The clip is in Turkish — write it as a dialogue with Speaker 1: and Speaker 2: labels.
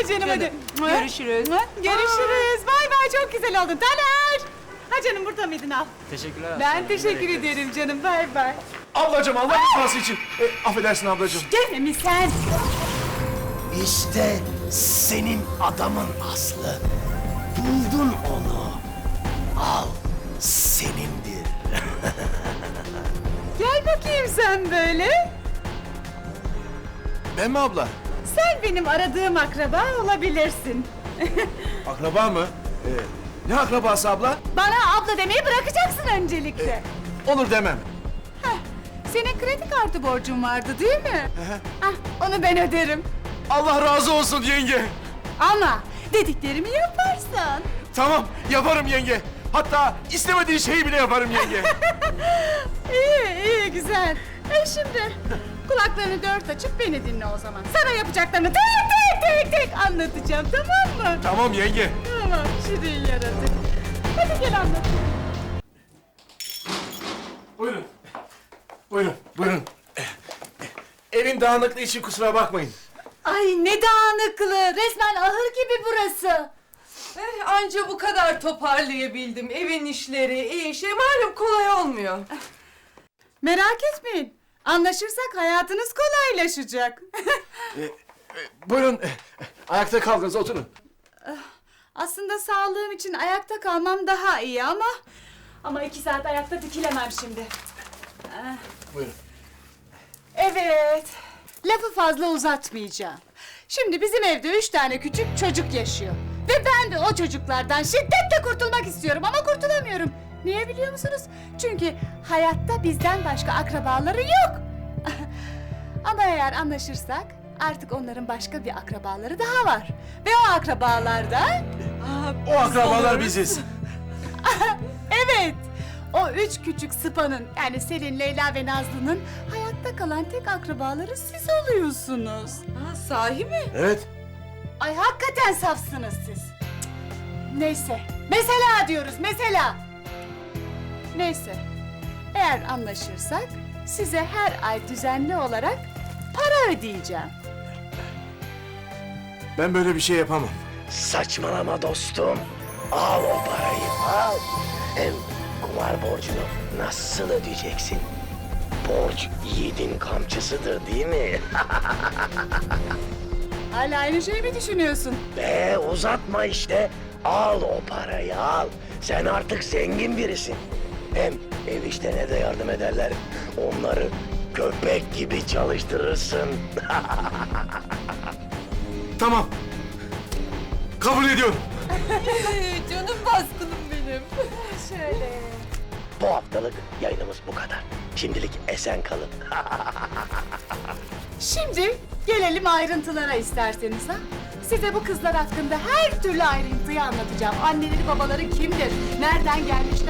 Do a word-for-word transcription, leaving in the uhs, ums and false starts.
Speaker 1: Ay canım, hadi.
Speaker 2: Görüşürüz.
Speaker 1: Görüşürüz. Bay bay, çok güzel oldun. Taner. Ha canım, burada mıydın, al.
Speaker 3: Teşekkürler.
Speaker 1: Ben teşekkür ederim canım, bay bay.
Speaker 4: Ablacığım Allah rızası için. E, affedersin ablacığım.
Speaker 1: Gel mi sen?
Speaker 5: İşte senin adamın Aslı. Buldun onu. Al, senindir.
Speaker 1: Gel bakayım sen böyle.
Speaker 4: Ben mi abla?
Speaker 1: Sen benim aradığım akraba olabilirsin.
Speaker 4: Akraba mı? E, ne akrabası abla?
Speaker 1: Bana abla demeyi bırakacaksın öncelikle.
Speaker 4: Olur demem.
Speaker 1: Heh, senin kredi kartı borcun vardı değil mi? Hah, onu ben öderim.
Speaker 4: Allah razı olsun yenge.
Speaker 1: Ama dediklerimi yaparsan.
Speaker 4: Tamam yaparım yenge. Hatta istemediğin şeyi bile yaparım yenge.
Speaker 1: İyi, iyi, güzel. E şimdi kulaklarını dört açıp beni dinle o zaman. Sana yapacaklarını tek tek tek tek anlatacağım, tamam mı?
Speaker 4: Tamam yenge.
Speaker 1: Tamam, şirin yaratık. Hadi gel anlat.
Speaker 4: Buyurun. Buyurun, buyurun. Evin dağınıklığı için kusura bakmayın.
Speaker 1: Ay ne dağınıklığı, resmen ahır gibi burası.
Speaker 2: Eh, anca bu kadar toparlayabildim. Evin işleri, iyi şey malum kolay olmuyor.
Speaker 1: Merak etmeyin, anlaşırsak hayatınız kolaylaşacak.
Speaker 4: Buyurun, ayakta kaldınız, oturun.
Speaker 1: Aslında sağlığım için ayakta kalmam daha iyi ama... Ama iki saat ayakta dikilemem şimdi.
Speaker 4: Buyurun.
Speaker 1: Evet, lafı fazla uzatmayacağım. Şimdi bizim evde üç tane küçük çocuk yaşıyor. Ve ben de o çocuklardan şiddetle kurtulmak istiyorum ama kurtulamıyorum. Niye biliyor musunuz? Çünkü hayatta bizden başka akrabaları yok. Ama eğer anlaşırsak artık onların başka bir akrabaları daha var. Ve o akrabalar da...
Speaker 4: O akrabalar biziz.
Speaker 1: Evet, o üç küçük sıpanın, yani Selin, Leyla ve Nazlı'nın hayatta kalan tek akrabaları siz oluyorsunuz.
Speaker 2: Ha, sahi mi?
Speaker 4: Evet.
Speaker 1: Ay hakikaten safsınız siz. Cık. Neyse, mesela diyoruz, mesela. Neyse, eğer anlaşırsak size her ay düzenli olarak para ödeyeceğim.
Speaker 4: Ben böyle bir şey yapamam.
Speaker 5: Saçmalama dostum. Al o parayı, al. Hem kumar borcunu nasıl ödeyeceksin? Borç yiğidin kamçısıdır değil mi?
Speaker 1: Hala aynı şeyi mi düşünüyorsun?
Speaker 5: Be uzatma işte. Al o parayı al. Sen artık zengin birisin. Hem ev işlerine de yardım ederler. Onları köpek gibi çalıştırırsın.
Speaker 4: Tamam. Kabul ediyorum.
Speaker 2: Ee, canım baskınım benim.
Speaker 1: Şöyle.
Speaker 5: Bu haftalık yayınımız bu kadar. Şimdilik esen kalın.
Speaker 1: Şimdi gelelim ayrıntılara isterseniz ha. Size bu kızlar hakkında her türlü ayrıntıyı anlatacağım. Anneleri babaları kimdir? Nereden gelmişler?